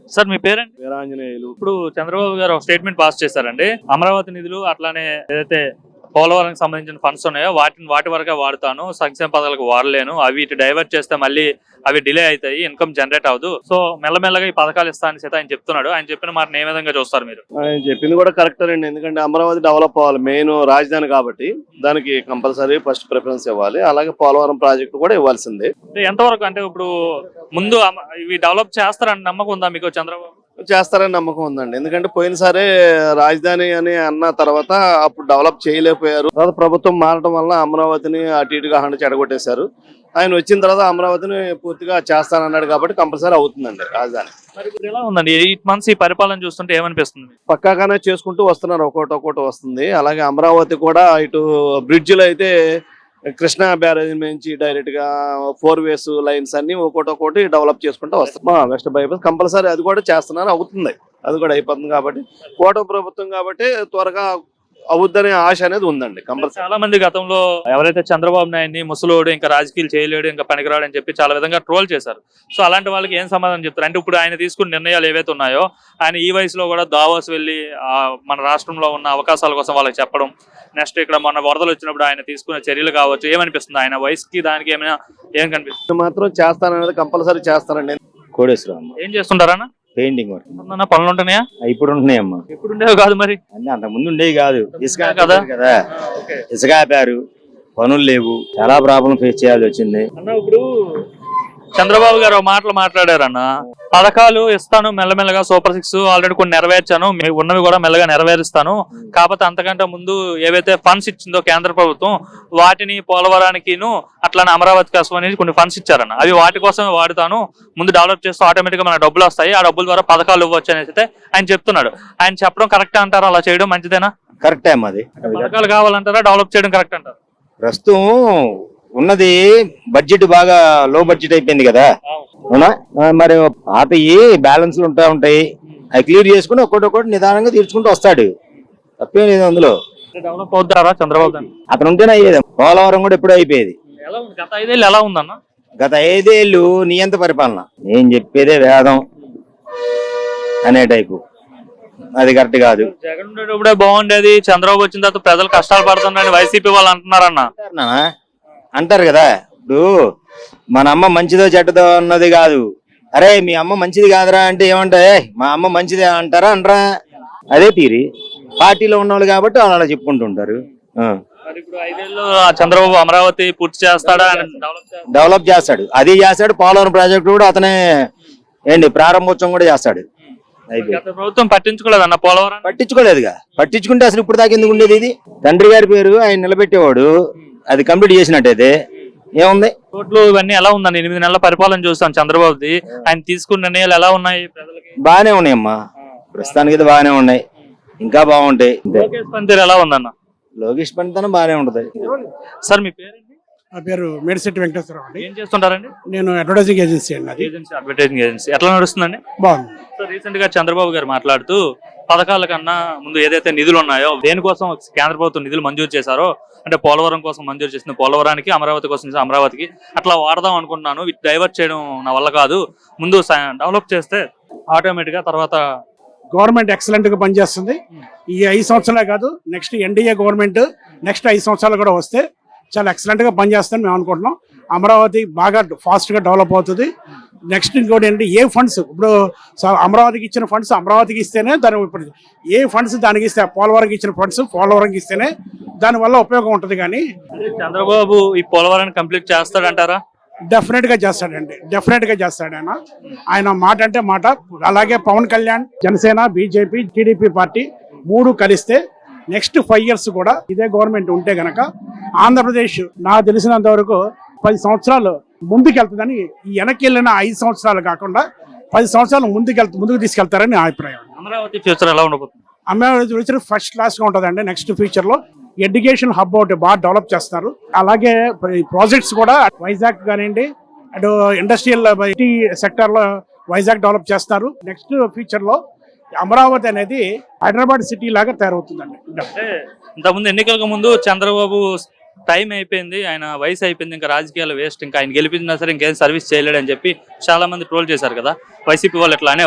Sir మీ parent? Veeranjaneyulu. ఇప్పుడు చంద్రబాబు గారు ఒక స్టేట్మెంట్ పాస్ చేశారండి. అమరావతి నిధులు అట్లానే ఏదైతే పోలవరంకి సంబంధించిన ఫండ్స్ ఉన్నాయో వాటి వరకే వాడుతాను, సంక్షేమ పథకాలకు వాడలేను, అవి ఇటు డైవర్ట్ చేస్తే మళ్ళీ అవి డిలే అవుతాయి, ఇన్కమ్ జనరేట్ అవ్వదు, సో మెల్లమెల్లగా ఈ పథకాలు ఇస్తానని చేత ఆయన చెప్తున్నాడు. ఆయన చెప్పిన మాట ఏ విధంగా చూస్తారు మీరు? ఆయన చెప్పింది కూడా కరెక్ట్ అండి. ఎందుకంటే అమరావతి డెవలప్ అవ్వాలి, మెయిన్ రాజధాని కాబట్టి దానికి కంపల్సరీ ఫస్ట్ ప్రిఫరెన్స్ ఇవ్వాలి. అలాగే పోలవరం ప్రాజెక్టు కూడా ఇవ్వాల్సిందే. ఎంతవరకు అంటే ఇప్పుడు ముందు ఇవి డెవలప్ చేస్తారని నమ్మకం ఉందా మీకు? చంద్రబాబు చేస్తారని నమ్మకం ఉందండి. ఎందుకంటే పోయినసారి రాజధాని అని అన్న తర్వాత అప్పుడు డెవలప్ చేయలేకపోయారు. తర్వాత ప్రభుత్వం మారడం వల్ల అమరావతిని అటు ఇటుగా చెడగొట్టేశారు. ఆయన వచ్చిన తర్వాత అమరావతిని పూర్తిగా చేస్తానన్నాడు కాబట్టి కంపల్సరీ అవుతుందండి రాజధాని. మరి ఇప్పుడు ఎలా ఉందండి 8 months ఈ పరిపాలన చూస్తుంటే ఏమనిపిస్తుంది? పక్కాగానే చేసుకుంటూ వస్తున్నారు, ఒక్కోటి వస్తుంది. అలాగే అమరావతి కూడా ఇటు బ్రిడ్జిలు అయితే కృష్ణా బ్యారేజ్ నుంచి డైరెక్ట్ గా 4 ways లైన్స్ అన్ని ఒక్కోటి డెవలప్ చేసుకుంటూ వస్తాం. వెస్ట్ బైపాస్ కంపల్సరీ అది కూడా చేస్తున్నారు, అవుతుంది, అది కూడా అయిపోతుంది. కాబట్టి కూటమి ప్రభుత్వం కాబట్టి త్వరగా అవుద్దనే ఆశ అనేది ఉందండి కంపల్సరీ. చాలా మంది గతంలో ఎవరైతే చంద్రబాబు నాయుడిని ముసలోడు, ఇంకా రాజకీయాలు చేయలేడు, ఇంకా పనికిరాడు అని చెప్పి చాలా విధంగా ట్రోల్ చేశారు. సో అలాంటి వాళ్ళకి ఏం సమాధానం చెప్తారు? అంటే ఇప్పుడు ఆయన తీసుకున్న నిర్ణయాలు ఏవైతే ఉన్నాయో, ఆయన ఈ వయసులో కూడా దావోస్ వెళ్ళి మన రాష్ట్రంలో ఉన్న అవకాశాల కోసం వాళ్ళకి చెప్పడం, నెక్స్ట్ ఇక్కడ మొన్న వరదలు వచ్చినప్పుడు ఆయన తీసుకున్న చర్యలు కావచ్చు, ఏమనిపిస్తుంది? ఆయన వయసుకి దానికి ఏం కనిపిస్తుంది? మాత్రం చేస్తాననేది కంపల్సరీ చేస్తానండి. కోడేశ్వరం ఏం చేస్తుంటారన్నా? Painting work. పనులు ఉంటున్నాయా? ఇప్పుడు ఉంటున్నాయమ్మా. ఇప్పుడు ఉండేవి కాదు మరి, అంటే అంతకు ముందు ఉండేవి కాదు. ఇసుక కదా, ఇసుక ఆపారు, పనులు లేవు, చాలా ప్రాబ్లం ఫేస్ చేయాల్సి వచ్చింది అన్న. ఇప్పుడు చంద్రబాబు గారు మాటలు మాట్లాడారన్న, పథకాలు ఇస్తాను మెల్లమెల్లగా, సూపర్ 6 ఆల్రెడీ కొన్ని నెరవేర్చాను, ఉన్నవి కూడా మెల్లగా నెరవేరుస్తాను, కాకపోతే అంతకంటే ముందు ఏవైతే ఫండ్స్ ఇచ్చిందో కేంద్ర ప్రభుత్వం వాటిని పోలవరానికిను అట్లానే అమరావతి కోసం అనేది కొన్ని ఫండ్స్ ఇచ్చారన్న, అవి వాటి కోసమే వాడుతాను, ముందు డెవలప్ చేస్తూ ఆటోమేటిక్ గా మన డబ్బులు వస్తాయి, ఆ డబ్బుల ద్వారా పథకాలు ఇవ్వచ్చు అనేసి అయితే ఆయన చెప్తున్నాడు. ఆయన చెప్పడం కరెక్ట్ అంటారా? అలా చేయడం మంచిదేనా? కరెక్టే అమ్మా. అది పథకాలు కావాలంటారా, డెవలప్ చేయడం కరెక్ట్ అంటారు? ప్రస్తుతం ఉన్నది బడ్జెట్ బాగా లో బడ్జెట్ అయిపోయింది కదా, అవునా? మరి పాతయి బ్యాలెన్స్లు ఉంటాయి, అవి క్లియర్ చేసుకుని ఒక్కొక్కటి నిదానంగా తీర్చుకుంటూ వస్తాడు, తప్పేం లేదు అందులో. డెవలప్ అవుతారా చంద్రబాబు? అతను ఉంటేనే అయ్యేది. పోలవరం కూడా ఎప్పుడూ అయిపోయేది. గత 5 ఏళ్ళు ఎలా ఉందన్న? గత 5 ఏళ్ళు నియంత పరిపాలన, నేను చెప్పేదే వేదం అనే టైపు, అది కరెక్ట్ కాదు. జగన్ ఉండేటప్పుడే బాగుండేది, చంద్రబాబు వచ్చిన తర్వాత ప్రజలు కష్టాలు పడుతున్నారని వైసీపీ వాళ్ళు అంటున్నారన్న. అంటారు కదా, ఇప్పుడు మన అమ్మ మంచిదో చెడ్డదో అన్నది కాదు. అరే మీ అమ్మ మంచిది కాదురా అంటే ఏమంటా, మా అమ్మ మంచిదే అంటారా అనరా? అదే తీరి పార్టీలో ఉన్నవాళ్ళు కాబట్టి వాళ్ళు అలా చెప్పుకుంటుంటారు. చంద్రబాబు అమరావతి పూర్తి చేస్తాడా? డెవలప్ చేస్తాడు, అది చేస్తాడు. పోలవరం ప్రాజెక్టు కూడా అతనే ప్రారంభోత్సవం కూడా చేస్తాడు. ప్రభుత్వం పట్టించుకోలేదన్న పోలవరం? పట్టించుకోలేదుగా. పట్టించుకుంటే అసలు ఇప్పుడు దాకా ఎందుకు ఉండేది? ఇది తండ్రి గారి పేరు ఆయన నిలబెట్టేవాడు, అది కంప్లీట్ చేసినట్టయితే ఏముంది? రోడ్లు ఇవన్నీ ఎలా ఉందండి? 8 నెలల పరిపాలన చూస్తాం చంద్రబాబుది, ఆయన తీసుకున్న నిర్ణయాలు ఎలా ఉన్నాయి? ప్రజలకి బాగానే ఉన్నాయమ్మా, ప్రస్తుతానికి అయితే బాగానే ఉన్నాయి, ఇంకా బాగుంటాయి. లోకేష్ పనితీరు ఎలా ఉందన్న? లోకేష్ పనితనం బాగానే ఉంటది. సార్ మీ పేరు? నా పేరు మేడిశెట్టి వెంకటేశ్వరరావు అండి. ఏం చేస్తుంటారండి? నేను అడ్వర్టైజింగ్ ఏజెన్సీ అండి. అడ్వర్టైజింగ్ ఏజెన్సీ ఎట్లా నడుస్తుందండి? బాగుంది. సో రీసెంట్ గా చంద్రబాబు గారు మాట్లాడుతూ పథకాల కన్నా ముందు ఏదైతే నిధులు ఉన్నాయో, దేనికోసం కేంద్ర ప్రభుత్వం నిధులు మంజూరు చేశారో, అంటే పోలవరం కోసం మంజూరు చేసిన పోలవరానికి, అమరావతి కోసం అమరావతికి అట్లా వాడదాం అనుకుంటున్నాను, డైవర్ట్ చేయడం నా వల్ల కాదు, ముందు డెవలప్ చేస్తే ఆటోమేటిక్ గా తర్వాత గవర్నమెంట్ ఎక్సలెంట్ గా పనిచేస్తుంది. ఈ 5 సంవత్సరాలే కాదు, నెక్స్ట్ ఎన్డీఏ గవర్నమెంట్ నెక్స్ట్ 5 సంవత్సరాలు కూడా వస్తే చాలా ఎక్సలెంట్ గా పనిచేస్తుందని మేము అనుకుంటున్నాం. అమరావతి బాగా ఫాస్ట్ గా డెవలప్ అవుతుంది. నెక్స్ట్ ఇంకోటి ఏంటంటే, ఏ ఫండ్స్ ఇప్పుడు అమరావతికి ఇచ్చిన ఫండ్స్ అమరావతికి ఇస్తేనే దాని, ఇప్పుడు ఏ ఫండ్స్ దానికి ఇస్తే, పోలవరంకి ఇచ్చిన ఫండ్స్ పోలవరంకి ఇస్తేనే దానివల్ల ఉపయోగం ఉంటుంది. కానీ చంద్రబాబు ఈ పోలవరాన్ని కంప్లీట్ చేస్తాడంటారా? డెఫినెట్ గా చేస్తాడండి, డెఫినెట్ గా చేస్తాడు ఆయన మాట అంటే మాట. అలాగే Pawan Kalyan, Janasena, BJP, TDP party 3 కలిస్తే నెక్స్ట్ 5 years కూడా ఇదే గవర్నమెంట్ ఉంటే గనక ఆంధ్రప్రదేశ్ నాకు తెలిసినంత వరకు 10 సంవత్సరాలు ముందుకెళ్తుందని, ఈ వెనక్కి వెళ్ళిన 5 సంవత్సరాలు కాకుండా 10 సంవత్సరాలు ముందుకు తీసుకెళ్తారని నా అభిప్రాయం. అమరావతి ఫ్యూచర్ ఎలా ఉండబోతుంది? అమరావతి ఫ్యూచర్ ఫస్ట్ క్లాస్ గా ఉంటుందండి. నెక్స్ట్ ఫ్యూచర్ లో ఎడ్యుకేషన్ హబ్ ఒకటి బాగా డెవలప్ చేస్తున్నారు. అలాగే ప్రాజెక్ట్స్ కూడా వైజాగ్ కానివ్వండి, అటు ఇండస్ట్రియల్ ఐటీ సెక్టర్ లో వైజాగ్ డెవలప్ చేస్తారు. నెక్స్ట్ ఫ్యూచర్ లో అమరావతి అనేది హైదరాబాద్ సిటీ లాగా తయారవుతుందండి. ఇంతకుముందు ఎన్నికలకు ముందు చంద్రబాబు టైం అయిపోయింది, ఆయన వయసు అయిపోయింది, ఇంకా రాజకీయాలు వేస్ట్, ఇంకా ఆయన గెలిపించినా సరే ఇంకేం సర్వీస్ చేయలేడు అని చెప్పి చాలా మంది ట్రోల్ చేశారు కదా, వైసీపీ వాళ్ళు ఎట్లా అనేవారు.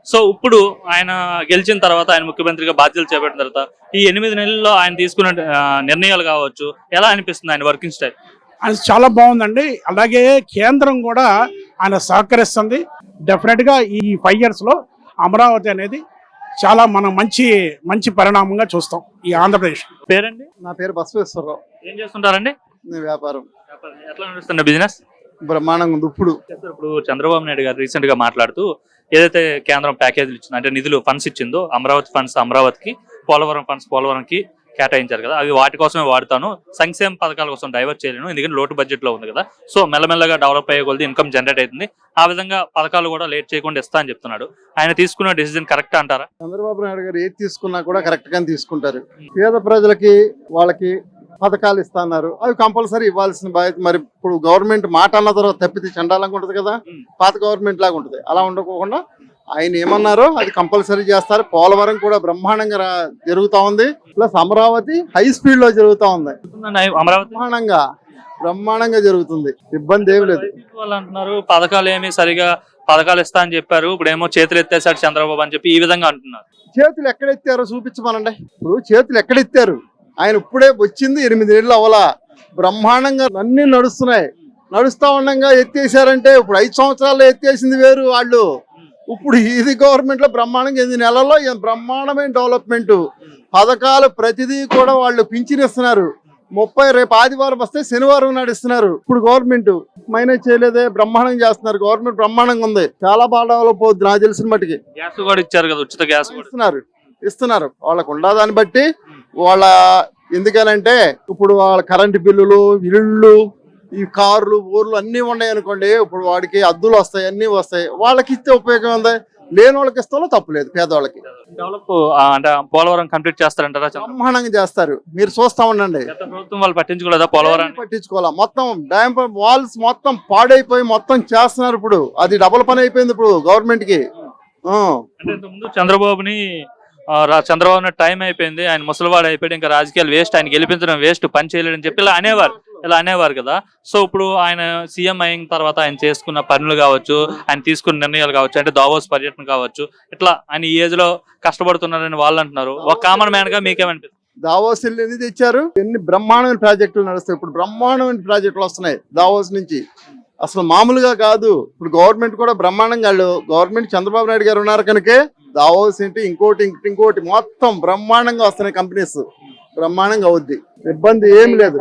సో ఇప్పుడు ఆయన గెలిచిన తర్వాత, ఆయన ముఖ్యమంత్రిగా బాధ్యతలు చేపట్టిన తర్వాత ఈ 8 నెలల్లో ఆయన తీసుకున్న నిర్ణయాలు కావచ్చు, ఎలా అనిపిస్తుంది ఆయన వర్కింగ్ స్టైల్? అది చాలా బాగుందండి. అలాగే కేంద్రం కూడా ఆయన సహకరిస్తుంది. డెఫినెట్ గా ఈ 5 years లో అమరావతి అనేది చాలా మనం మంచి పరిణామంగా చూస్తాం ఈ ఆంధ్రప్రదేశ్. పేరండి? నా పేరు బసవేశ్వరరావు. ఏం చేస్తుంటారండి? నేను వ్యాపారం. ఎట్లా నడుస్తుంది బిజినెస్? బ్రహ్మాండంగా ఉంది. ఇప్పుడు చంద్రబాబు నాయుడు గారు రీసెంట్ గా మాట్లాడుతూ ఏదైతే కేంద్రం ప్యాకేజీలు ఇచ్చిందో, అంటే నిధులు ఫండ్స్ ఇచ్చిందో, అమరావతి ఫండ్స్ అమరావతికి, పోలవరం ఫండ్స్ పోలవరంకి కేటాయించారు కదా, అవి వాటి కోసమే వాడతాను, సంక్షేమ పథకాల కోసం డైవర్ట్ చేయలేను, ఎందుకంటే లోటు బడ్జెట్ లో ఉంది కదా, సో మెల్లమెల్లగా డెవలప్ అయ్యే కొద్ది ఇన్కమ్ జనరేట్ అవుతుంది, ఆ విధంగా పథకాలు కూడా లేట్ చేయకుండా ఇస్తా అని చెప్తున్నాడు. ఆయన తీసుకున్న డెసిజన్ కరెక్ట్ అంటారా? చంద్రబాబు నాయుడు గారు ఏది తీసుకున్నా కూడా కరెక్ట్ గానే తీసుకుంటారు. పేద ప్రజలకి వాళ్ళకి పథకాలు ఇస్తున్నారు, అవి కంపల్సరీ ఇవ్వాల్సిన బాధ్యత. మరి ఇప్పుడు గవర్నమెంట్ మాట అన్న తర్వాత తప్పితే చండాలంగా ఉంటది కదా, పాత గవర్నమెంట్ లాగా ఉంటది. అలా ఉండకోకుండా ఆయన ఏమన్నారో అది కంపల్సరీ చేస్తారు. పోలవరం కూడా బ్రహ్మాండంగా జరుగుతా ఉంది, ప్లస్ అమరావతి హై స్పీడ్ లో జరుగుతా ఉంది. అమరావతి బ్రహ్మాండంగా జరుగుతుంది, ఇబ్బంది ఏమి లేదు. వాళ్ళు అంటున్నారు పథకాలు ఏమి సరిగా పథకాలు ఇస్తా అని చెప్పారు, ఇప్పుడు ఏమో చేతులు ఎత్తేసాడు చంద్రబాబు అని చెప్పి ఈ విధంగా అంటున్నారు. చేతులు ఎక్కడెత్తారో చూపించమనండి. ఇప్పుడు చేతులు ఎక్కడెత్తారు? ఆయన ఇప్పుడే వచ్చింది 8 నెలలు అవలా, బ్రహ్మాండంగా అన్ని నడుస్తున్నాయి. నడుస్తా ఉండగా ఎత్తేసారంటే ఇప్పుడు 5 సంవత్సరాల్లో ఎత్తేసింది వేరు వాళ్ళు. ఇప్పుడు ఇది గవర్నమెంట్ లో బ్రహ్మాండంగా 8 నెలల్లో బ్రహ్మాండమైన డెవలప్మెంట్. పథకాలు ప్రతిదీ కూడా వాళ్ళు పింఛనిస్తున్నారు. 30 రేపు ఆదివారం వస్తే శనివారం నడుస్తున్నారు. ఇప్పుడు గవర్నమెంట్ మైనస్ చేయలేదే, బ్రహ్మాండంగా చేస్తున్నారు. గవర్నమెంట్ బ్రహ్మాండంగా ఉంది, చాలా బాగా డెవలప్ అవుతుంది. నాకు తెలిసిన మట్టుకి గ్యాస్ కూడా ఇచ్చారు కదా, ఉచిత గ్యాస్ ఇస్తున్నారు వాళ్ళకు ఉండదాన్ని బట్టి. వాళ్ళ ఎందుకనంటే ఇప్పుడు వాళ్ళ కరెంటు బిల్లులు, ఇళ్ళు, ఈ కార్లు, ఊర్లు అన్ని ఉన్నాయి అనుకోండి, ఇప్పుడు వాడికి అద్దులు వస్తాయి, అన్ని వస్తాయి. వాళ్ళకి ఇస్తే ఉపయోగం ఉంది, లేని వాళ్ళకి ఇస్తాలో తప్పులేదు. పేదవాళ్ళకి డెవలప్ అంటే పోలవరం కంప్లీట్ చేస్తారంటారా? బ్రహ్మాండంగా చేస్తారు, మీరు చూస్తా ఉండండి. ప్రభుత్వం వాళ్ళు పట్టించుకోలేదా పోలవరం? పట్టించుకోవాలా, మొత్తం డ్యామ్ వాల్స్ మొత్తం పాడైపోయి మొత్తం చేస్తున్నారు. ఇప్పుడు అది డబుల్ పని అయిపోయింది ఇప్పుడు గవర్నమెంట్ కి. అంటే ఇంతకుముందు చంద్రబాబుని చంద్రబాబు టైం అయిపోయింది, ఆయన ముసలివాడు అయిపోయాడు, ఇంకా రాజకీయాలు వేస్ట్, ఆయన గెలిపించడం వేస్ట్, పని చేయలేడని చెప్పి ఇలా అనేవారు కదా. సో ఇప్పుడు ఆయన సీఎం అయిన తర్వాత ఆయన చేసుకున్న పనులు కావచ్చు, ఆయన తీసుకున్న నిర్ణయాలు కావచ్చు, అంటే దావోస్ పర్యటన కావచ్చు, ఇట్లా ఆయన ఈ ఏజ్ లో కష్టపడుతున్నారని వాళ్ళు అంటున్నారు. ఒక కామన్ మ్యాన్ గా మీకేమనిపిస్తుంది? దావోస్ ఎన్ని తెచ్చారు, ఎన్ని బ్రహ్మాండమైన ప్రాజెక్టులు నడుస్తాయి. ఇప్పుడు బ్రహ్మాండమైన ప్రాజెక్టులు వస్తున్నాయి దావోస్ నుంచి, అసలు మామూలుగా కాదు. ఇప్పుడు గవర్నమెంట్ కూడా బ్రహ్మాండంగా, గవర్నమెంట్ చంద్రబాబు నాయుడు గారు ఉన్నారు కనుకే దావోస్ ఏంటి ఇంకోటి మొత్తం బ్రహ్మాండంగా వస్తున్నాయి. కంపెనీస్ బ్రహ్మాండంగా అవుద్ది, ఇబ్బంది ఏమి లేదు.